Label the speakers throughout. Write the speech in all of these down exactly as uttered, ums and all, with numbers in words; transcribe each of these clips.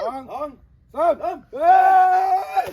Speaker 1: สองสองสามเฮ้ย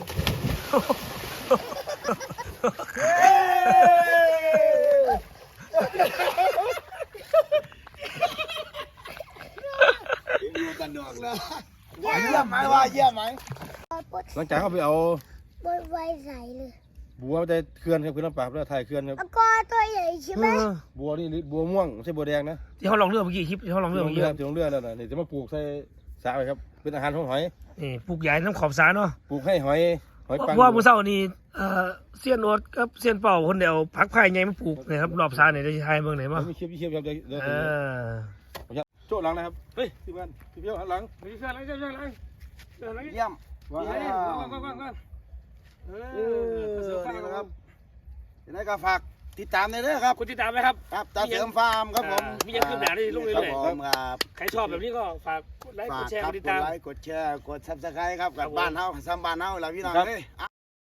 Speaker 1: อยู่กันดอกเลยเยี่ยมไหมว่าเยี่ยมไหมหลังจากเขาไปเอา
Speaker 2: บนไฟใสเลย
Speaker 1: บัวได้เคลื่อนครับคือน้ำปลาเพื่อถ่ายเคลื่อนครับ
Speaker 2: ก็ตัวใหญ่ใช่ไหม
Speaker 1: บัวนี่บัวม่วงไม่ใช่บัวแดงนะ
Speaker 3: ที่เขาลองเลือกเมื่อกี้คลิปที่เขาลองเลือกเมื่อกี้
Speaker 1: ที่ลองเลือกนั่นน่ะนี่จะมาปลูกใส่สระไปครับเป็นอาหารของหอย
Speaker 3: นี่ปลูกใหญ่น้ำขอบสาเนาะ
Speaker 1: ปลูกให้หอยหอยปัง
Speaker 3: ว่ามือเศร้านี่เอ่อเสี้ยนโอ๊ตกับเสี้ยนเป่าคนเดียวพักไผ่ใหญ่มาปลูกนะครับรอบสาเนี่ยได้ใช้เมืองไหนมั้ง
Speaker 1: มีเชียบมีเชียบครับเดี๋ยวโจ้หลังนะครับเฮ้ยพี่บ้านพี่เพี้ยวหันหลังพี่เพี้ยวหลังเพี้ยวหลังเยี่ยมว้าวว้าวว้าวว้าวเออนี่นะครับยังไงก็ฝากติดตามเลยนะครับ
Speaker 3: คุณติดตามไหมครับ
Speaker 1: ครับตาเสริมฟาร์มครับผม
Speaker 3: มียังขึ้นหน้าได้ลุกเรื่อย
Speaker 1: ๆครับ
Speaker 3: ใครชอบแบบนี้ก็ฝากกดไลค์กดแชร์กดติดตาม
Speaker 1: กดไลค์กดแชร์กดซับสไครต์ครับกับบ้านเฮาซ้ำบ้านเฮาแล้วพี่น้องเฮ้ย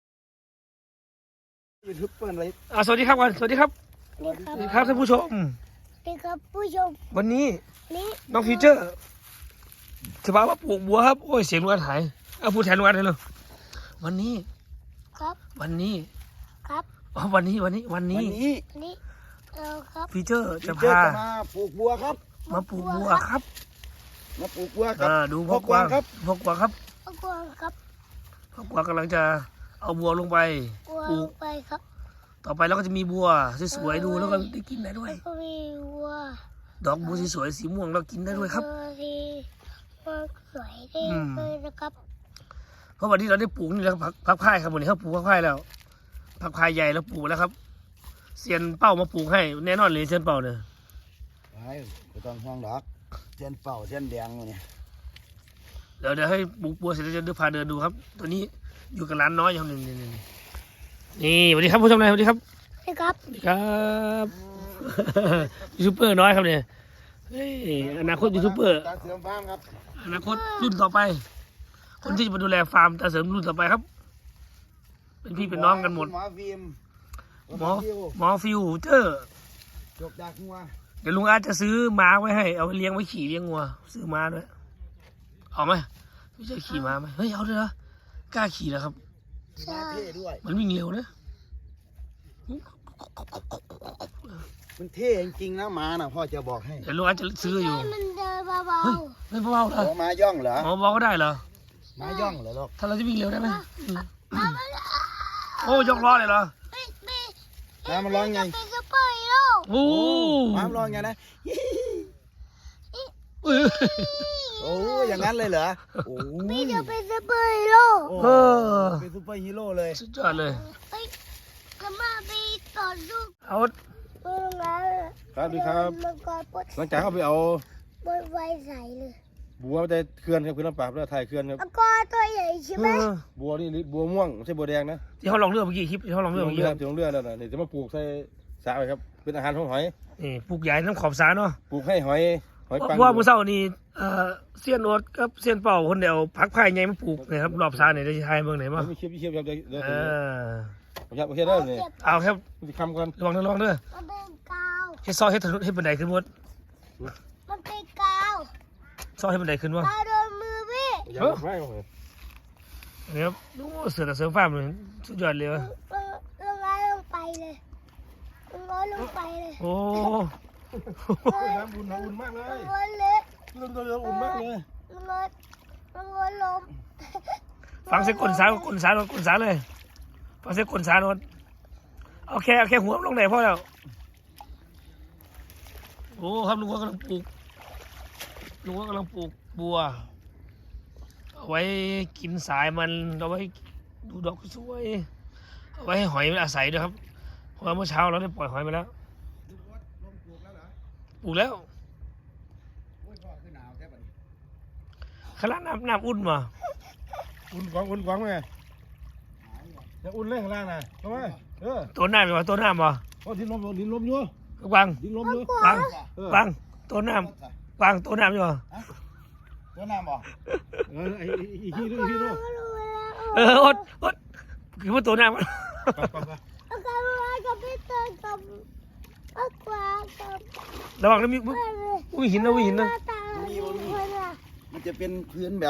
Speaker 1: ยูทูบเปิดเลย
Speaker 3: อ่าสวัสดีครับวันสวัสดีครับสวัสดีครับท่านผู้ชม
Speaker 2: สวัสดีครับผู้ชม
Speaker 3: วันนี้
Speaker 2: นี่
Speaker 3: น้องฟิวเจอร์สบายว่าปลูกบัวครับโอ้ยเสียงลุงอันหายเอาพูดแทนลุงอันเลยเลยวันนี้
Speaker 2: ครับ
Speaker 3: วันนี้
Speaker 2: ครับ
Speaker 3: อ๋อวันนี้วันนี้วันนี้
Speaker 2: วันนี้เราครับ
Speaker 3: ฟิวเจอร์จะพา
Speaker 1: มาปลูกบัวครับ
Speaker 3: มาปลูกบัวครับ
Speaker 1: มาปลูกบัวครับ
Speaker 3: ดูพ่อกวางครับพ่อกวางครับ
Speaker 2: พ่อกวางครับ
Speaker 3: พ่อกวางกำลังจะเอาบัวลงไป
Speaker 2: ปลูกไปครับ
Speaker 3: ต่อไปเราก็จะมีบัวสวยๆดูแล้วก็ได้กินได้ด้วย
Speaker 2: มีบัว
Speaker 3: ดอกบัวสวยๆสีม่วงเรากินได้ด้วยครับ
Speaker 2: สีสวยได้เลยนะครับ
Speaker 3: เพราะวันนี้เราได้ปลูกนี่แล้วพักพักพายครับวันนี้เขาปลูกพักพายแล้วพักพายใหญ่แล้วปลูกแล้วครับเซียนเป้ามาปลูกให้แน่นอนเลยเซียนเป้าเนี่ย
Speaker 1: ไม่ต้องห่วงดอกเซียนเป้าเซียนแดงเนี่ย
Speaker 3: เดี๋ยวเดี๋ยวให้ปลูกบัวเสร็จแล้วจะเดินพาเดินดูครับตัวนี้อยู่กับร้านน้อยอย่างหนึ่งนี่นี่นี่สวัสดีครับผู้ชมนายสวัสดีครับ
Speaker 2: สวัสดีครับ
Speaker 3: สวัสดีครับยูทูบเบอร์น้อยครับเนี่ยเฮ้ยอนาคตยูทูบเบอร์
Speaker 1: ตาเสริมฟาร์มครับ
Speaker 3: อนาคตรุ่นต่อไปคนที่จะมาดูแลฟาร์มตาเสริมรุ่นต่อไปครับเป็นพี่เป็นน้องกันหมด
Speaker 1: หมอฟิล์ม
Speaker 3: หมอหมอฟิวเจอร์
Speaker 1: จบดักงัว
Speaker 3: เดี๋ยวลุงอาจจะซื้อม้าไว้ให้เอาไปเลี้ยงไว้ขี่เลี้ยงงัวซื้อม้าด้วยเอาไหมไม่ใช่ขี่ม้าไหมเฮ้ยเอาด้วยนะกล้าขี่แล้วครับ
Speaker 1: ม้าเท่ด้วย
Speaker 3: มันวิ่งเร็วนะ
Speaker 1: มันเท่จริงๆนะม้าน่ะพ่อจะบอกให้
Speaker 3: เดี๋ยวลุงอาจจะซื้ออยู่
Speaker 2: มันเดินเบา
Speaker 3: ๆไม่เบาๆเหรอ
Speaker 1: ม้าย่องเหรอ
Speaker 3: หมอบอกก็ได้เหรอ
Speaker 1: ม้าย่องเหรอลูก
Speaker 3: ถ้าเราจะวิ่งเร็วได้ไหมโอ้ยกล้อเลยเหรอ
Speaker 1: ม้ามันร้องไง
Speaker 2: เป็นซุปเปอร์ฮีโร่
Speaker 3: โอ้
Speaker 1: ม้ามันร้องไงนะโอ้อย่างนั้นเลยเหรอโอ้
Speaker 2: พี่จะเป็นซุปเปอร์ฮีโร่
Speaker 3: เออ
Speaker 1: เป็นซุปเปอร์ฮีโร่เลย
Speaker 3: สุดยอดเลย
Speaker 2: จะมาไปต่อสู้
Speaker 3: เอา
Speaker 1: ครับดีครับหลังจากเขาไปเอา
Speaker 2: บนไฟใสเลย
Speaker 1: บัวได้เคลื่อนครับคือน้ำปลาเพื่อถ่ายเคลื่อนครับ
Speaker 2: ก็ตัวใหญ่ใช่ไหม
Speaker 1: บัวนี่บัวม่วงไม่ใช่บัวแดงนะ
Speaker 3: ที่เขาลองเลือกเมื่อกี้คลิปที่เขาลองเลือกเมื่อกี้
Speaker 1: ที่ลองเลือกนั่นน่ะนี่จะมาปลูกใส่สระไปครับเป็นอาหารของหอย
Speaker 3: นี่ปลูกใหญ่น้ำขอบสาเนาะ
Speaker 1: ปลูกให้หอยหอยปัง
Speaker 3: ว่ามือเศร้านี่เอ่อเสี้ยนโอ๊ตกับเสี้ยนเป่าคนเดียวพักไผ่ใหญ่มาปลูกนะครับรอบสาเนี่ยได้ใช้เมืองไหนมั้ง
Speaker 1: มีเชียบมีเชียบครับเดี๋ยว
Speaker 3: เออ
Speaker 1: ครับโอเคได้เลย
Speaker 3: เอาครับ
Speaker 1: คำกัน
Speaker 3: ลองลองเด้อเฮ็ดซอยเฮ็ดถนนเฮ็ดบันไดขึ้นหมด
Speaker 2: มันเป็นกาว
Speaker 3: ซอยเฮ็ดบันไดขึ้นวะ
Speaker 2: ตาโดนมือพี่
Speaker 1: เฮ้ย
Speaker 3: นี่ครับดูเสือเสือฟ้ามันสุดยอดเลยวะ
Speaker 2: ลงมาลงไปเลยลงมาลงไปเลย
Speaker 3: โอ้
Speaker 1: น้ำอุ่นน้ำอุ่นมากเลย
Speaker 2: ลงเลย
Speaker 1: ลงเลยอุ่นมากเลย
Speaker 2: ลงมาลงมาลม
Speaker 3: ฟังเสียงกลสาวกลสาวกลสาวเลยฟังเสียงกลสาวน์โอเคโอเคหัวลงไหนพ่อแล้วโอ้ครับลุงว่ากำลังปลูกลุงว่ากำลังปลูกบัวเอาไว้กินสายมันเอาไว้ดูดอกสวยเอาไว้ให้หอยมันอาศัยด้วยครับเพราะเมื่อเช้าเราได้ปล่อยหอยไปแล้วปลูกแล้วขนาดน้ำน้ำอุ่นมา
Speaker 1: อุ่นกวางอุ่นกวางไงจะอุ่นเลยข้างล่างนะทำไมเออ
Speaker 3: ตัวน้ำมาตัวน้ำมา
Speaker 1: โอ้ดินลมดินลมอยู่
Speaker 3: กวาง
Speaker 1: ดินลมอยู่
Speaker 3: กวางกวางตัวน้ำกวางตัวน้ำอยู่
Speaker 1: ตัวน้ำบ่เออไอ้อีฮีด้วยอีฮีด้วย
Speaker 3: เอออดอดคือว่าตัวน้ำมัน
Speaker 2: กับพี่เติร์กับกวางกับ
Speaker 3: ระวังนะมีมีหินนะมีหินนะ
Speaker 1: มันจะเป็นพื้นแบบ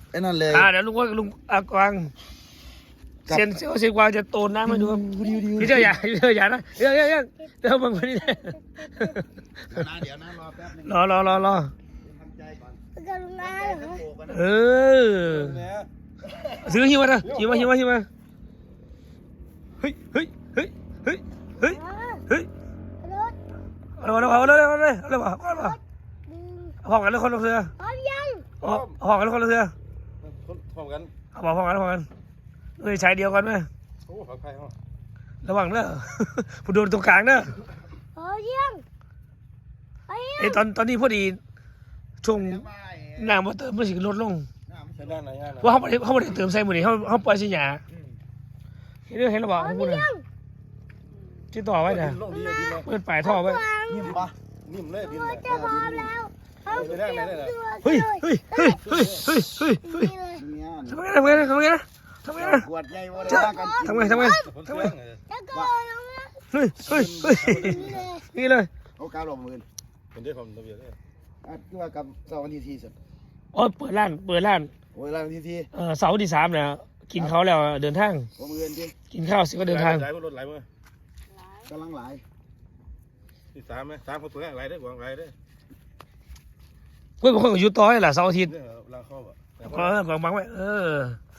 Speaker 4: ไอ้นั่นเลย
Speaker 3: อ่าเดี๋ยวลุงว่าลุงอากวางเซียนเซียนเซียนกวางจะโตนน้ำมาดูครับพี่เจ้าอย่าพี่เจ้าอย่านะเดี๋ยวเดี๋ยวเดี๋ยวเดี๋ยวมึงไปนี่
Speaker 4: เดี๋ยวนะเดี๋ยวนะรอแป๊บนึง
Speaker 3: รอรอรอรอ
Speaker 4: ทำใจก่อน
Speaker 2: กรุณาเหรอ
Speaker 3: เออซื้อหิวมาเถอะหิวมาหิวมาหิวมาเฮ้ยเฮ้ยเฮ้ยเฮ้ยเฮ้ยเฮ้ย
Speaker 2: รถ
Speaker 3: เอาเลยเอาเลยเอาเลยเอาเลยเอาเลยเอาเลย
Speaker 2: ดึง
Speaker 3: พร้อมกันเลยคนละเรือ
Speaker 2: พร้อมยัง
Speaker 3: พร้อมกันเลยคนละเรือ
Speaker 1: พร้อมกัน
Speaker 3: เอาพร้อมกันพร้อมกันเอ้ยใช้เดียวกันไหม
Speaker 1: โอ้ปลอดภัยเหรอ
Speaker 3: ระวังเด้อ ผู้โดนตรงกลางเด้อ
Speaker 2: พร้อมยังไปยั
Speaker 3: ไอ้
Speaker 2: ง
Speaker 3: ตอนตอนนี้พอดีช่วง
Speaker 4: เดี๋ยวมาไอ้
Speaker 3: น้ำมาเติมมันสิลดลง
Speaker 1: ใช้ด้านไหนงาน
Speaker 3: เพราะเขาไม่ได้เขาไม่ได้เติมใส่หมดนี่เขาเขาปล่อยสิหยาเห็นเรื่องเห็นระบอก
Speaker 2: พร้อ
Speaker 3: ของ
Speaker 2: ม
Speaker 3: คุณ
Speaker 2: ยัง
Speaker 3: ที่ต่อไว้เนี่ย
Speaker 1: ลงดีดีเลย
Speaker 3: เปิดปลายท่อไว้
Speaker 4: นิ่มปะ
Speaker 1: นิ่มเลยดิน
Speaker 2: รถจะพร้อมแล้วพร้อมเตรียมตัว
Speaker 3: เฮ้ยเฮ้ยเฮ้ยเฮ้ยเฮ้ยเฮ้ยเฮ้ย
Speaker 2: นี่เลย
Speaker 4: เนี่ย
Speaker 3: ทำไงทำไงทำไงนะทำไงนะ
Speaker 4: ขวดใหญ่ว่าได้กัน
Speaker 3: ทำไงทำไง
Speaker 1: คน
Speaker 3: ทำ
Speaker 1: เสี
Speaker 3: ไง
Speaker 1: ยง
Speaker 2: แล้วก็ลงนะ
Speaker 3: เฮ้ยเฮ้ยเฮ้ย
Speaker 2: นี่เลย
Speaker 3: นี่เลย
Speaker 4: โอ้กาลงมือ
Speaker 1: เป็นได้ความระเบียบเลย
Speaker 4: อ่ะคือว่ากับเสาร์วันที่สี่สุด
Speaker 3: อ๋อเปิดร้านเปิดร้าน
Speaker 4: โอ้ยร้านวันที่สี่
Speaker 3: เออเสาร์ที่สามเนี่ยกินเขาแล้วเดินทาง
Speaker 4: โอ้มือที่
Speaker 3: กินข้าวเสร็จก็เดินทาง
Speaker 1: ไหลรถไหลมั้ย
Speaker 4: กำลังหลาย
Speaker 1: ที่สามไหมสามคนตัวไหลได้กว่าไหลได้
Speaker 3: เพื่อนบางคนก็อยู่ต่อให้ล่ะเสาร์อาทิตย์
Speaker 1: เนี่ยลางเข้าอ่ะ
Speaker 3: ก็เออกองบังไว้เออ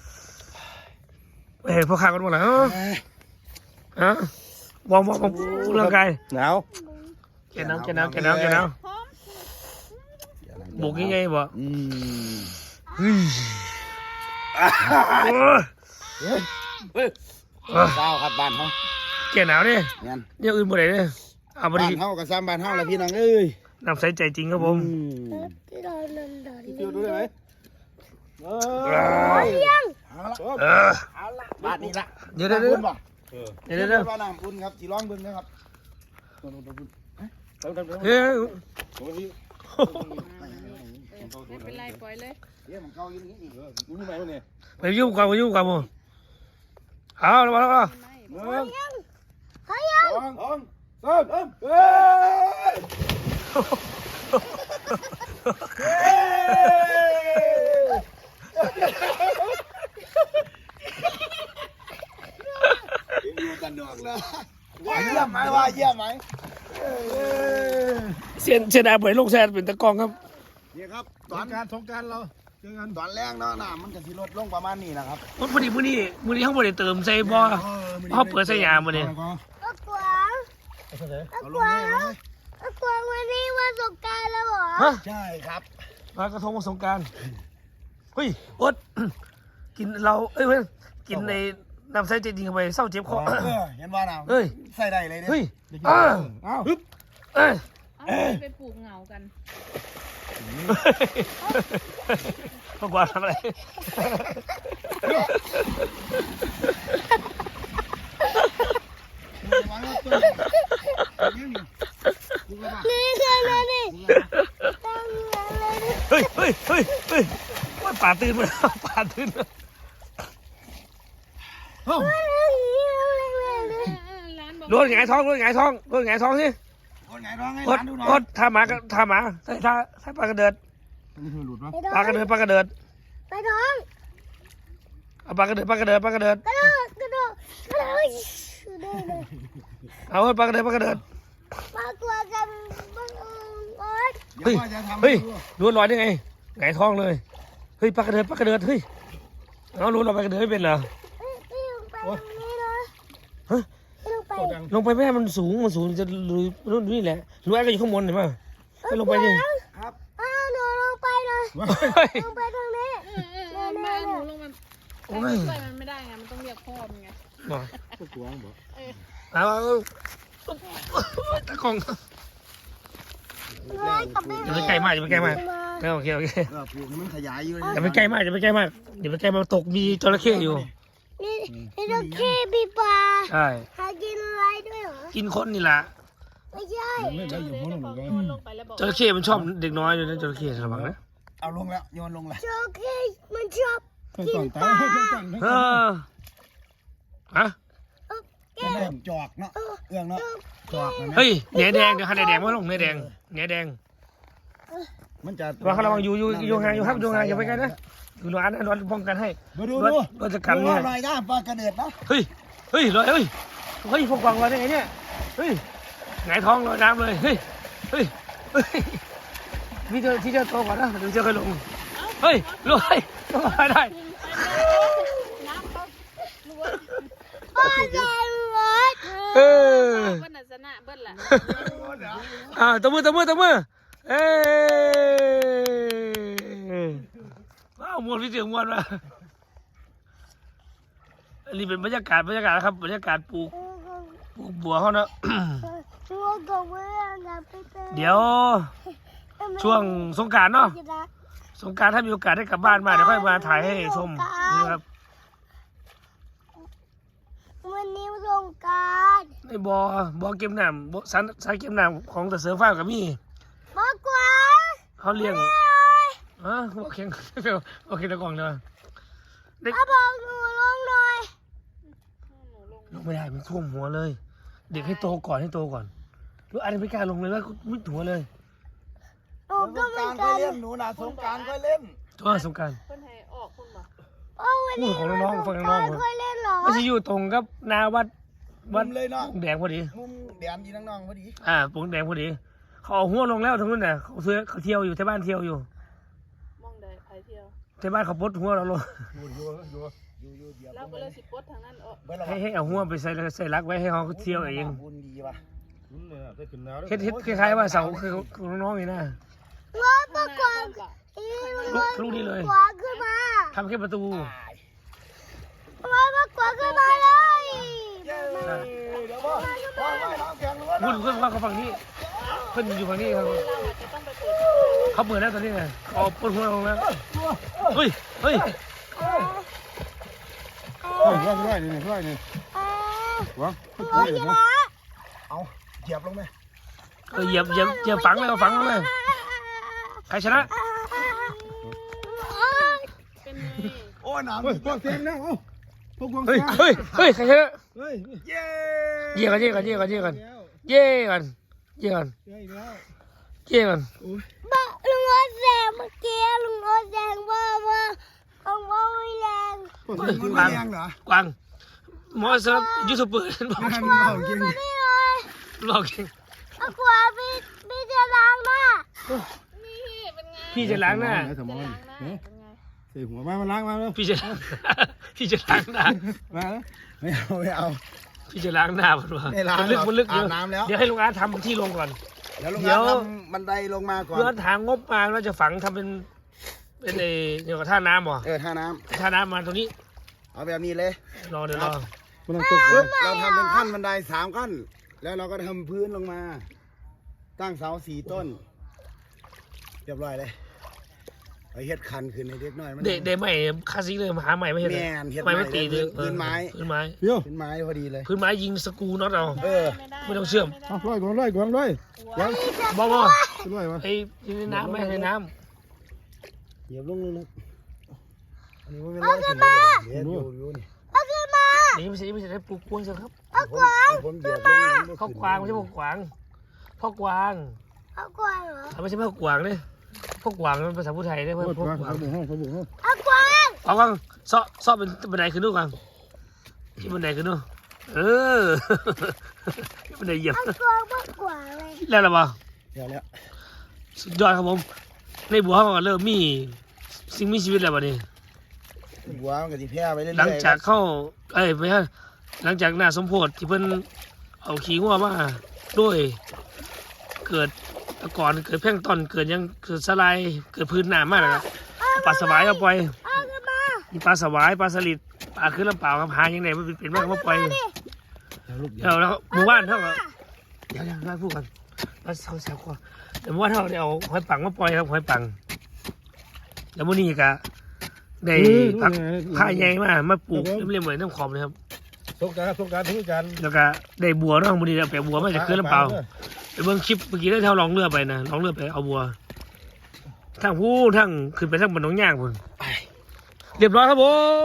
Speaker 3: เฮ้ยพวกข้ากันหมดแล้วฮะวอร์มวอร์มร่างกาย
Speaker 1: หนาว
Speaker 3: แกน้ำแกน้ำแกน้ำแกน้ำบุกยังไงบ่
Speaker 4: อืม
Speaker 3: เฮ้ย
Speaker 1: เฮ้ย
Speaker 4: เศร้าครับบ้านเขา
Speaker 3: แกหนาวเนี่ย
Speaker 4: งั้น
Speaker 3: เนี่ยอื่นบ่ได้เนี่ยเอาบ่
Speaker 4: บ้า
Speaker 3: ดี
Speaker 4: นเฮากับซ้ำบ้านเฮาแหละพี่น้องเอ้ย
Speaker 3: น้ำใสใจจริงครับผม
Speaker 2: ที่เราเดินเดิน
Speaker 1: พี่ฟิวดูได้ไหมเอ
Speaker 2: พร้อมยัง
Speaker 4: เอาละ
Speaker 3: เออ
Speaker 4: เอาละบ้านนี้ละ
Speaker 3: เดี๋ยวเดี๋ยวเดี๋ยว
Speaker 4: น้ำอุ่นบ่
Speaker 1: อ
Speaker 3: เดี๋ยวเดี๋ยวเดี๋ยว
Speaker 4: ว่าน้ำอุ่นครับสีร้องเบิ่งนะครับ
Speaker 1: ทำทำทำ
Speaker 3: เฮ้ย
Speaker 1: โอ้ย
Speaker 5: ไม่เป็นไรปล่อยเลย
Speaker 4: เดี๋ยวมันเก่าอยู่นี่อีก
Speaker 1: นี่ไหมวะเนี่ย
Speaker 3: ไปยุ่งกันไปยุ่งกันมึงเอาแล้วมาแล้วมา
Speaker 1: หนึ่ง
Speaker 2: พร้อมยัง
Speaker 1: สองสองสามเฮ้ย
Speaker 4: อยู่กันดอกนะว่าเยี่ยมไหมว่าเยี่ยมไหม
Speaker 3: เสียนเสียดายไปลงแซนเป็นตะกองครับ
Speaker 4: นี่ครับต
Speaker 1: ต
Speaker 4: อ
Speaker 1: อน นการสงการเราเจอกัน
Speaker 4: ตอนแรกเนาะน้ำมันจะสิลดลงประมาณนี้นะครับ
Speaker 3: พอดีมื้อนี้มื้อนี้เขาบ่ได้เติมใส่บ่เขาเปิดใส่ยามื้อนี้
Speaker 2: ก็กวางก็กวางก็กวางวันนี้วันสงกรารแล้วเหรอ
Speaker 3: ฮะ
Speaker 4: ใช่ครับ
Speaker 3: ลอยกระทงวันสงกรารเฮ้ยอด กินเราเอ้ยเว้ยกินในน้ำใสใจจริงเข้าไปเศร้าเจ็บคอ
Speaker 4: เออเห็นว่าน้ำ
Speaker 3: เฮ้ย
Speaker 4: ใส่ได้เลยเนี่ย
Speaker 3: เฮ้ยอ้า
Speaker 1: เอ้า
Speaker 3: ฮึบเอ้ย
Speaker 5: เอาไปปลูกเหงากัน
Speaker 3: มากกว่าทำอะไร
Speaker 4: วางรถตัวยืนอยู่ดูกระบะ
Speaker 2: นี่คืออะไรนี่ตั้งอะไรนี่
Speaker 3: เฮ้ยเฮ้ยเฮ้ยเฮ้ยว่าป่าตื่นมาแล้วป่าตื่นมา
Speaker 4: เฮ้ย
Speaker 5: ร้านบอก
Speaker 3: รถหงายท้องรถหงายท้องรถหงายท้องสิ
Speaker 4: คนไหนร้องให้
Speaker 3: รถ
Speaker 4: ร้านดูหน่
Speaker 3: ร
Speaker 4: อย
Speaker 3: ถท่าหมาก็ท่าหมาใส่ท่าใส่ปลากระเดิด
Speaker 4: นี่คือหลุดปะ
Speaker 3: ปลากระเดิดปลากระเดิด
Speaker 2: ไปท้อง
Speaker 3: เอาปลากระเดิดปลากระเดิดปลากระเดิด
Speaker 2: กระโดดกระโดดกระโดดได้เลย
Speaker 3: เอาปลากระเดิดปลากระเดิด
Speaker 2: มากลัวกันบ้างโอ๊ย
Speaker 4: เดี๋ยวว่าจะทำ
Speaker 3: เฮ้ย
Speaker 4: ให้ดู
Speaker 3: รู้ลอยได้ไงหงายท้องเลยเฮ้ยปลากระเดิดปลากระเดิดเฮ้ยเอารู้เราปลากระเดิดไม่เป็นเหรอ
Speaker 2: เฮ้ยพี่ลงไปตรงนี้นะ
Speaker 3: ฮะ
Speaker 2: พี่ลงไป
Speaker 3: ลงไปไม่ให้มันสูงมันสูงจะรู้รู้นี่แหละรู้ไอ้ก็อยู่ข้างบนเห็นป่ะให้ลงไปดิ
Speaker 4: ครับ
Speaker 2: อ้าวหนูลงไปเลย
Speaker 3: เฮ้ย
Speaker 2: ลงไปตรงนี้
Speaker 5: เออเออเออมาหนูลงมา
Speaker 3: โอ้
Speaker 5: ไป
Speaker 3: ย
Speaker 5: ช่วยมันไม่ได้ไง มันต้องเรียกพ่อมันไง
Speaker 3: มา
Speaker 4: ก็กวางบอก
Speaker 3: เอาเอาเอาตะกอง
Speaker 2: เฮ้ยกลับไป
Speaker 3: อย่าไปใกล้มากอย่าไปใกล้มากโอเคโอเค
Speaker 4: เออปลูกให้มันขยายอยู่
Speaker 3: อย่าไปใกล้มากอย่าไปใกล้มากอย่าไปใกล้มากตกมีจระเข้อยู่
Speaker 2: นี่นี่เราแค่ปีปลา
Speaker 3: ใช่
Speaker 2: หากินอะไรด้วยเหรอ
Speaker 3: กินคนนี่แหละ
Speaker 2: ไม่ใช่
Speaker 1: ไม่ได้อยู่พ้นหรอก
Speaker 5: มันลงไปแล้วบอก
Speaker 3: จระเข้มันชอบเด็กน้อยอยู่นะจระเข้ระวังนะ
Speaker 4: เอาลงแล้วโยนลงแล้ว
Speaker 2: โจเก้มันชอบกินปลา
Speaker 3: เออฮะ
Speaker 4: ก็เริ่มจอกเนาะเอื้องเนาะจอกนะ
Speaker 3: เฮ้ยแหนแดงเดี๋ยวให้แหนแดงมาลงแหนแดงแหนแดง
Speaker 4: มันจะ
Speaker 3: ระวังระวังอยู่อยู่อยู่ห่างอยู่ครับอยู่ห่างอย่าไปใกล้นะคือร้านนั้นรถป้องกันให้
Speaker 4: มาดู
Speaker 3: รถ
Speaker 4: ดู
Speaker 3: รถจะกันเนี่ย
Speaker 4: หน่อยนะปลากระเดิดนะ
Speaker 3: เฮ้ยเฮ้ยลอยเฮ้ยเฮ้ยพวกกวางลอยได้ไงเนี่ยเฮ้ยหงายท้องลอยน้ำเลยเฮ้ยเฮ้ยเฮ้ยพี่เจอที่เจอโตก่อนนะเดี๋ยวเจอใครลงเฮ้ยลอยลอยได้
Speaker 5: น้ำเขาลวด
Speaker 2: พ่อจะรถ
Speaker 3: เออ
Speaker 5: เบิ้ลน่ะชนะเบิ้ลล่ะ
Speaker 3: อ่าตบมือตบมือตบมือเอ้ว้าวมวนพี่เสียงมวนมาอันนี้เป็นบรรยากาศบรรยากาศนะครับบรรยากาศปลูกปลูกบัวเขาเนาะ
Speaker 2: ตัวกับเพื่อนนะพี่เต้
Speaker 3: เดี๋ยวช่วงสงกรานต์เนาะสงกรานต์ถ้ามีโอกาสได้กลับบ้านมาเดี๋ยวค่อยมาถ่ายให้ชมนี่ครับ
Speaker 2: วันนี้สงกราร
Speaker 3: ในบ่อบ่อเก็บน้ำบ่อสันสายเก็บน้ำของตะเสือฟ้ากับมี่
Speaker 2: มากกว่า
Speaker 3: เขาเลี้ยงอ่ะโอเคโอเคตะกล่องเลยเด็ก
Speaker 2: เอาบอกหนูลงหน่อย
Speaker 3: ลงไม่ได้มันท่วมหัวเลย เด็กให้โตก่อนให้โตก่อนหรืออันนี้ไม่กล้าลงเลยว่ามิดหัวเลย
Speaker 2: หนู
Speaker 4: ส
Speaker 2: ก็
Speaker 4: ง
Speaker 2: เหมื
Speaker 4: ก
Speaker 2: อ
Speaker 4: ราน รก็
Speaker 2: กัน
Speaker 4: เล่นหนูนะสงกรารก็เล่น
Speaker 3: ตัวสงกราร
Speaker 5: เพิ่นให้ออกคุณบ่
Speaker 2: โอ้วันนี้
Speaker 3: พูดของน้องๆฟังน้องๆ
Speaker 2: เคยเล่นเหรอ
Speaker 3: ไม่ใช่อยู่ตรงกับหนาวัดวัด
Speaker 4: เลยเนาะ
Speaker 3: ปงแดงพอดี
Speaker 4: มุมแดมยีน้องๆพอดี
Speaker 3: อ่าปงแดงพอดีเขาเอาหัวลงแล้วทั้งนั้นน่ะเขาเสือเขาเที่ยวอยู่ที่บ้านเที่ยวอยู่
Speaker 5: มองได้ไปเที่ยว
Speaker 3: ที่บ้านเขาปลดหัวเราลง
Speaker 4: อยู่อยู่อยู่อยู่อยู่เดียว
Speaker 5: เราก็เลยสิปลดทางนั้นออก
Speaker 4: เบิ้ลเรา
Speaker 3: ให้ให้เอาหัวไปใส่ใส่รักไว้ให้เขาเที่ยวเอง
Speaker 4: บุญดีว่ะ
Speaker 3: เฮ็ดเฮ็ดคล้ายๆว่าเสาคือของน้องๆนี่นะ
Speaker 2: รถมากกว่าอี
Speaker 3: ลูกลูกนี่เลย
Speaker 2: กว่าขึ้นมา
Speaker 3: ทำแค่ประตู
Speaker 2: รถมากกว่าขึ้นมาเลย
Speaker 4: เดี๋ยวพ่อพ่อไม่น้องแข็งล้วน
Speaker 3: พูดเพื่อนว่าเขาฝั่งนี้เพื่อนอยู่ฝั่งนี้ครับ
Speaker 5: เราอาจจะต้องไปเปิด
Speaker 3: เขาเปิดแล้วตอนนี้ไงเอาปนหัวลงแล้วเฮ้ยเฮ้ย
Speaker 1: เฮ้ยว่างด้วยนี่ว่างนี่
Speaker 2: เออ
Speaker 1: วะ
Speaker 2: รถชนะ
Speaker 4: เอาเหยียบลงไหม
Speaker 3: เออเหยียบเหยียบเหยียบฝังเลยเอาฝังลงเลยใครชนะ
Speaker 5: เป็นไง
Speaker 4: โอ้น้ำ
Speaker 1: เฮ้ยพวกเต็มแล้วเอ้าพวกวง
Speaker 3: เฮ้ย
Speaker 1: ฟ้า
Speaker 3: เฮ้ยเฮ้ยใครชนะ
Speaker 1: เฮ้ย
Speaker 4: เย้
Speaker 3: เย่กันเย่กันเย่กันเย่กัน
Speaker 1: แล้ว
Speaker 3: เย่กันเย่กัน
Speaker 1: เฮ้ยแล้ว
Speaker 3: เย่กัน
Speaker 2: บ้าลุงรถแซงเมื่อกี้ลุงรถแซงว่าว่าของว่าไม่แรง
Speaker 1: พวก
Speaker 4: มัน
Speaker 1: เต็ม
Speaker 4: ไม่แรงเหรอก
Speaker 3: วางหมอสำหรับยูทูบเบอร์บอก
Speaker 1: งานเขาจริง
Speaker 2: นี่เลย
Speaker 3: บอกเอง
Speaker 2: เอากว่าพี่พี่จะล้างหน้า
Speaker 5: นี่เป็นไง
Speaker 3: พี่จะล้างหน้า
Speaker 1: สมอง
Speaker 5: ล้างหน้าเป็นไง
Speaker 1: ใส่หัวมามาล้างมาแล้ว
Speaker 3: พี่จะ พี่จะล้างหน้า
Speaker 1: มาแล้ว
Speaker 4: ไม่เอาไม่เอา
Speaker 3: พี่จะล้างหน้ามันวะ
Speaker 4: ไม่ล้าง
Speaker 3: มันลึก
Speaker 4: หรอก
Speaker 3: มันลึกเดี๋ยว
Speaker 4: อาบน้ำแล้ว
Speaker 3: เดี๋ยวให้ลุงอาร์ตทำที่ลงก่อน
Speaker 4: เดี๋ยวลุง
Speaker 3: เดี๋
Speaker 4: อา
Speaker 3: ยว
Speaker 4: ทำบันไดลงมาก่อน
Speaker 3: เพื่อทางงบมาเราจะฝังทำเป็นเป็นไอ้เดี๋ยวกับท่าน้ำเหรอ
Speaker 4: เออท่าน้
Speaker 3: ท่าน้ำมาตรงนี้
Speaker 4: ำเอาแบบนี้เลย
Speaker 3: รอเดี๋ยวรอ
Speaker 1: มันต้องตก
Speaker 4: ปึ๊บเราทำเป็นขั้นบันไดสามขั้น แล้วเราก็ทำพื้นลงมา ตั้งเสาสี่ต้น เรียบร้อยเลยไอ้เฮ็ดคันขึ้นในเด็กน้อยมัน
Speaker 3: เด็กเด็กใหม่คลาสสิกเลยมาหาใหม่ไม่เห็นเลย
Speaker 4: แม่นเฮ็ด
Speaker 3: ไม่ไม่
Speaker 4: ใหม่
Speaker 3: ตีเลย
Speaker 4: พื้นไม้
Speaker 3: พื้นไม้
Speaker 1: เดี๋ยว
Speaker 4: เป็นไม้พอดีเลย
Speaker 3: พื้นไม้ยิงสกรูน็อตเอา
Speaker 4: เออ
Speaker 5: ไม่ได้
Speaker 3: ไม่ต้องเชื่อม
Speaker 1: เอาร้อยก่อนร้อยก่อนร้อยก่อน
Speaker 3: บอกว่า
Speaker 1: ร้อยวะ
Speaker 3: ไอ้ในน้ำไม่ในน้
Speaker 4: เหยียบลงลึกๆอันนี้มันเป็นร้อยขึ้นเลยเดี๋ยวอยู่อยู่นี่
Speaker 2: เอาขึ้นมา
Speaker 3: ำนี่ไม่ใช่ไม่ใช่ได้ปลูกกวางใช่ครับ
Speaker 2: เอา
Speaker 4: ผม
Speaker 2: กวาง
Speaker 4: ผมเหยียบลงนี่มัน
Speaker 3: พ่อกวางไม่ใช่พ่อกวางพ่อกวาง
Speaker 2: เอากวางเหรอ
Speaker 3: ไม่ใช่พ่อกวางเนี่ยพ่อกวางมันภาษาพูดไทยได้
Speaker 1: โค
Speaker 3: เพื่อน
Speaker 1: ตร
Speaker 3: พ่อ
Speaker 1: ว่าก
Speaker 3: วาง
Speaker 1: เขาบุกห้องเขาบุกห้อง
Speaker 2: เอากวาง
Speaker 3: เอากวางซอซอเป็นบันไดขึ้นดูกวางที่บันไดขึ้นดูเออ บันไดเหยียบ
Speaker 2: เอากวางมากกว่าเลย
Speaker 3: แล้วหรือเปล่า
Speaker 4: เดี๋ยวแล้ว
Speaker 3: สุดยอดครับผมในบัวเขาก็เริ่มมีสิ่งมีชีวิตแล้วบัดนี้
Speaker 4: บัวมันก็สิแพร่ไปเรื่อยๆ
Speaker 3: หลังจากเข้าเอ้ยไม่ใช่หลังจากหน้าสมโพธิที่เพิ่นเอาขี้งัวมาด้วยเกิดแตะก่อนเกิดแพร่งก์ต้นเกิดหยังเกิดสไลด์เกิดพื้นน้ำมากนะครับปลาสวายเอาปล่อย
Speaker 2: เอาขึ้นมา
Speaker 3: มีปลาสวายปลาสลิดปลาขึ้นลำเปล่าครับหายังไงมันเป็นเป็นมากมาปล่อย
Speaker 2: ดิ
Speaker 3: เดี๋ยวแล้วหมู่บ้านเท่ากับเดี๋ยวเดี๋ยวมาพูดกันมาเสาแสบคอเดี๋ยวหมู่บ้านเท่าได้เอาหอยปังมาปล่อยครับหอยปังแล้วมื้อนี้ก็ได้ผักผ้าใหญ่มามาปลูกเรียบๆเหมือนน้ำขอบเลยครับ
Speaker 1: สงการสงการทุกการ
Speaker 3: แล้วก็ได้บัวเนาะมื้อนี้เอาไปบัวมาจากเขื่อนลำเปล่าไปเบิ่งคลิปเมื่อกี้ได้เท่าลองเรือไปนะลองเรือไปเอาบัวทั้งผู้ทั้งขึ้นไปทั้งบนหนองย่างพุ่นเรียบร้อยครับผม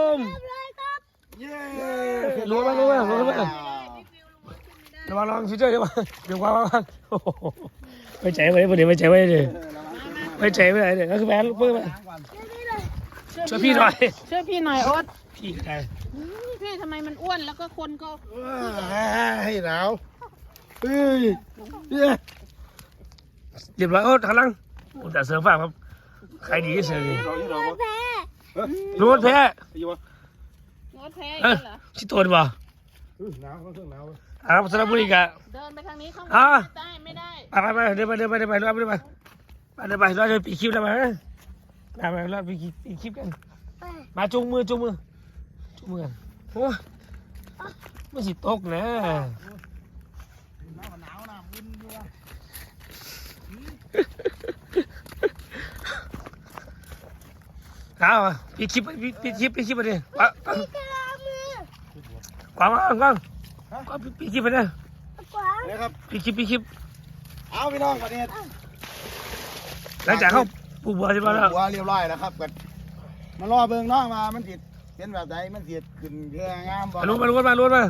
Speaker 4: เย้
Speaker 3: รู้ไหมรู้ไหมรู้ไหมระวังระวังฟิวเจอร์เดี๋ยวมาเดี๋ยววางวางวางโอ้โหไม่ใจไว้เดี๋ยวไม่ใจไว้เลยไม่ใจไว้เลยก็คือแบนเพิ่มไปช่วยพี่หน่อย
Speaker 5: ช่วยพี่หน่อยโอ๊ต
Speaker 3: พี่ก็ได้
Speaker 5: พี่ทำไมมันอ้วนแล้วก็คนก็
Speaker 4: ให้หนาวเฮ้ยเนี่ย
Speaker 3: เรียบร้อยโอ้ทางหลังโอ้แต่เสริมฟ้าครับใครดีที่สุดเลย
Speaker 1: เราที่เรา
Speaker 2: แพ้
Speaker 3: รู้ว่าแพ้
Speaker 1: อยู่วะ
Speaker 5: งดแพ้
Speaker 3: เอ
Speaker 5: อี
Speaker 3: อก
Speaker 5: เหรอ
Speaker 3: ชิโตนบ่
Speaker 1: หนาวเครื่องหนาว
Speaker 3: อ่าสระบุรีกะ
Speaker 5: เดินไปทางนี้ข้างบน
Speaker 3: อ่า
Speaker 5: ได้ไม่ได้
Speaker 3: ไปไปไปเดินไปเดินไปเดินไปเดินไปเดินไปเดินไปเดินไปเราจะปีคลิปแล้วมามามาเราปีคลิปกันมาจุงมือจุงมือจุงมือกันโอ้ไม่สิตกนะเอาปีคลิปปีคลิปปีคลิปไปดิวะ
Speaker 2: พี่กระลามือก
Speaker 3: วางกวางกวางกวางปีคลิปไปเนี่ย
Speaker 2: กวาง
Speaker 4: นี่ครับ
Speaker 3: ปีคลิปปีคลิป
Speaker 4: เอาพี่น้องประเทศ
Speaker 3: หลังจากเข้าปูบัวใช่ไหมแล้ว
Speaker 4: หัวเรียบร้อยแล้วครับกันมารอเบิ่งน้องมามันติดเป็นแบบไหนมันติดขึ้นเรืองามบ่
Speaker 3: มาลุ้นมาลุ้นมาลุ้นมา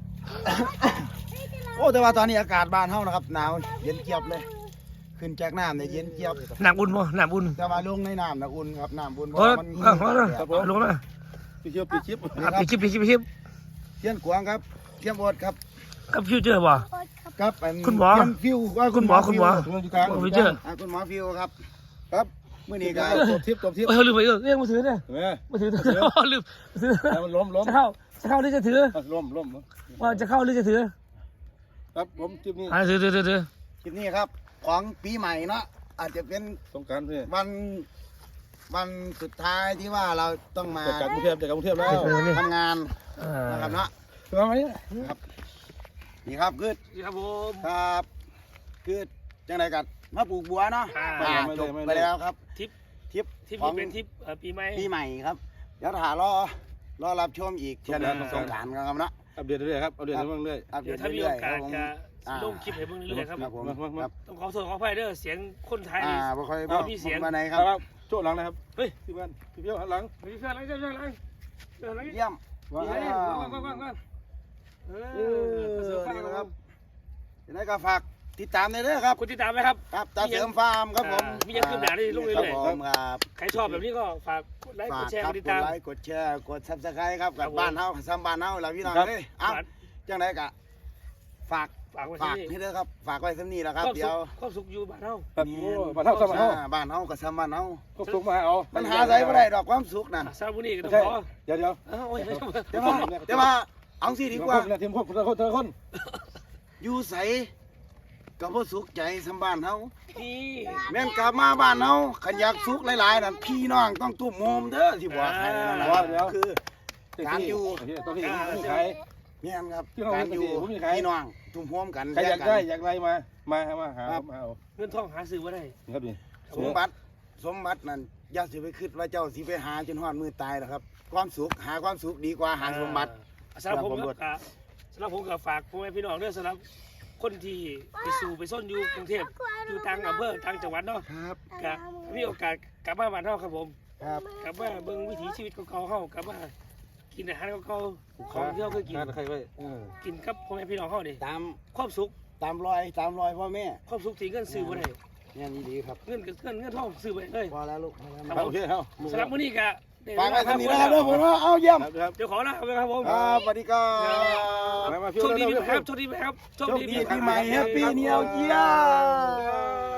Speaker 4: โอ้แต่ว่าตอนนี้อากาศบ้านเฮานะครับหนาวเย็นเจี๊ยบเลย ขึ้นจากน้ำเนี่ยเย็นเจี๊ยบ
Speaker 3: หนักอุ่นบ่หนักอุ่น
Speaker 4: แต่ว่าลงในน้ำนะอุ่นครับน้ำอุ่นเพ
Speaker 3: โอ้
Speaker 4: ราะ
Speaker 3: ย
Speaker 4: มัน
Speaker 3: เออมาเลยลงมา
Speaker 1: ปีเชียวปีชิป
Speaker 3: ครับปีคลิปปีคลิปปีคลิป
Speaker 4: เทียนกวางครับเทียนโอดครับ
Speaker 3: กับฟิวเจอร์บ่
Speaker 4: ครับอัน
Speaker 3: คุณหมอ
Speaker 4: เทียนฟิวว่า
Speaker 3: คุณหมอคุณหมอ
Speaker 4: ฟิวอยู่กลาง
Speaker 3: ฟิวเจอร์
Speaker 4: อ่าคุณหมอฟิวครับ ครับมื้อนี้ก็
Speaker 1: ตัวทิปตัวทิป
Speaker 3: เออลืมไปเออเรียกมือถือเนี่ย
Speaker 1: เห็นไหม
Speaker 3: มือถือลืมถือ
Speaker 1: มันล้มล้ม
Speaker 3: จะเข้าจะเข้าหรือจะถือ
Speaker 1: ล้มล้ม
Speaker 3: ว่าจะเข้าหรือจะถือ
Speaker 1: ครับผมทิปนี้
Speaker 3: อ่าถือถือถือถือ
Speaker 4: คลิปนี้ครับของปีใหม่เนาะอาจจะเป็น
Speaker 1: สงการเพื่อน
Speaker 4: วันวันสุดท้ายที่ว่าเราต้องมา
Speaker 1: จากกรุงเทพจากกรุงเทพแล้ว
Speaker 4: ทำงาน
Speaker 3: อ่า
Speaker 4: นะครับเนาะ
Speaker 1: ทำไม
Speaker 4: ครับนี่ครับคือ
Speaker 3: ครับผม
Speaker 4: ครับคือจังไรกันมาปลูกบัวเนาะ
Speaker 3: อ่า
Speaker 4: อ่าจบไปแล้วครับ
Speaker 3: ทิป
Speaker 4: ทริป
Speaker 3: ทิป
Speaker 4: ของ
Speaker 3: นี้เป็นทิปปีใหม่
Speaker 4: ปีใหม่ครับเดี๋ยวถ่ารอรอรับชมอีกเช่นสงกรานต์กันครับเนาะ
Speaker 1: อัปเดตเรื่อยครับอัปเดตเรื่อย
Speaker 4: อัปเด
Speaker 3: เดี๋ยว
Speaker 4: ต
Speaker 3: ถ้ามี
Speaker 4: เรื่
Speaker 3: โอ
Speaker 4: อยๆค
Speaker 3: กา
Speaker 4: รั
Speaker 3: ส
Speaker 4: บผม
Speaker 3: จะ
Speaker 4: อ่า
Speaker 3: ลงคลิปให้เบิ่งเรื่อยๆครับ
Speaker 4: ครับผม
Speaker 1: มามา
Speaker 4: ครับ
Speaker 3: ต้องขอโทษขออภัยเด้อเสียงคนไทย
Speaker 4: อ่า
Speaker 3: นี่
Speaker 4: บ่ค่อย
Speaker 3: เอาพี่เสียง
Speaker 4: มาไหนค
Speaker 1: ค
Speaker 4: รั
Speaker 1: รับ บโจ้หลังนะครับเฮ้ยพี่บ้านพี่เพียวหันหลัง
Speaker 3: ไม่ใช่อะไรไม่ใช่อะไรเดี๋ยวอะไร
Speaker 4: เยี่ยม
Speaker 1: ว้า
Speaker 3: เฮ้ยว่างว่าง
Speaker 1: ว
Speaker 3: ว่างว่างเอ
Speaker 4: เอ
Speaker 3: อ
Speaker 4: อนี่นะครับยังไงก็ฝากติดตามในเด้อครับ
Speaker 3: คุณติดตามไหมครับ
Speaker 4: ครับตาเสริมฟาร์มครับผม
Speaker 3: อ่ามียังขึ้นหน้าได้ลงเรื่อยๆ
Speaker 4: ครับผมครับ
Speaker 3: ใครชอบแบบนี้ก็ฝากกดไลค์ก
Speaker 4: ฝา
Speaker 3: ด
Speaker 4: ก
Speaker 3: แชร์
Speaker 4: ค
Speaker 3: ก
Speaker 4: รับ
Speaker 3: ดติด
Speaker 4: ก
Speaker 3: ตา
Speaker 4: ด
Speaker 3: ม
Speaker 4: ไลค์กดแชร์กดซับสไครต์ครับ
Speaker 3: ครั
Speaker 4: กั
Speaker 3: บบ ผม
Speaker 4: บ้านเฮาซ้ำบ้านเฮาแล้วพี่น้องเอ้ยเอ้าจังไดกะฝาก
Speaker 3: ฝากไว้
Speaker 4: ฝาก
Speaker 3: ที่
Speaker 4: ให้
Speaker 3: นี่
Speaker 4: เด้อครับฝากไว้ซ้ำนี้แหละครับ
Speaker 3: ความ
Speaker 4: เดี๋
Speaker 3: สุ
Speaker 4: ยว
Speaker 3: ขความสุขอยู่บ้านเฮา
Speaker 1: ครับโอ้มาเท่าสมัยเท่า
Speaker 4: อ่าบ้านเฮาก็ซ้ำบ้านเฮา
Speaker 1: ก็ส่งมาเอา
Speaker 4: มันหาใส่บ่ได้ดอกความสุขนั่น
Speaker 3: ซาบุนี่ก็ต้อง
Speaker 1: ใช่
Speaker 3: ขอ
Speaker 1: เดี๋ยวเดี๋ยว
Speaker 3: อ้าวโอ้ยไม่ชอบ
Speaker 4: แต่ว่าแต่ว่าเอาสิดีกว่า
Speaker 1: ทีมคนทีมคนทีมคน
Speaker 4: อยู่ไสก็บ่สุขใจซ้ำบ้านเฮา
Speaker 3: พี่
Speaker 4: แม่นกลับมาบ้านเฮาขันอยากสุขหลายๆนั่นพี่น้องต้องตุ้มโฮมเด้อที่บอกให้นั่นนะว่าคือ การอยู่
Speaker 1: ต้องที่มีใคร
Speaker 4: แม่นครับ
Speaker 1: พี่น้อง
Speaker 4: การอยู่
Speaker 1: ผมมีใคร
Speaker 4: พี่น้องตุ้มโฮมกัน
Speaker 1: ใครอยาก
Speaker 4: แย
Speaker 1: ได้
Speaker 4: กัน
Speaker 1: อยากไรมามามาหามาเอา
Speaker 3: เงินทองหาซื้อบ่ได้
Speaker 1: ครับนี่
Speaker 4: สมบัติสมบัตินั่นอย่าสิไปคิดว่าเจ้าสิไปหาจนฮอดมือตายหรอกครับ ความสุขหาความสุขดีกว่าหาสมบัติ
Speaker 3: สำหรับผมก็สำหรับผมก็ฝากพ่อแม่พี่น้องด้วยสำหรับคนที่ไปสู่ไปซ่อนอยู่กรุงเทพอยู่ต่างอำเภอต่างจังหวัดเนาะ
Speaker 4: ครับ
Speaker 3: ก็มีโอกาสกลับมาบ้านเฮาครับผม
Speaker 4: ครับ
Speaker 3: กลับมาเบิ่งวิถีชีวิตเก่าๆเฮากลับมากินอาหารเก่าๆของที่เราเคยกิน
Speaker 1: ใครไว้
Speaker 3: กินกับพ่อแม่พี่น้องเฮานี่
Speaker 4: ตาม
Speaker 3: ความสุข
Speaker 4: ตามรอยตามรอยพ่อแม่
Speaker 3: ความสุขที่เงินซื้อบ่ได้
Speaker 4: เนี่ยนี่ดีครับ
Speaker 3: เงินกับเงินเงินทองซื้อบ่ได้เลย
Speaker 4: พอแล้วลูกพอแล้ว
Speaker 1: โอเคเอา
Speaker 3: สำหรับมื้อนี้ก็ได้
Speaker 4: ฝากไว้ทำนี้นะครับเด้อผมว่าเอาเยี่ยม
Speaker 1: ครับ
Speaker 3: เดี๋ยวขอลาไปครับผม
Speaker 4: ครับสวัสดีครับ
Speaker 1: มามา
Speaker 3: โชคดีปีใหม่ครับโชคดีปีใหม่ครับ
Speaker 4: โชคดีปีใหม่แฮปปี้นิวเยียร์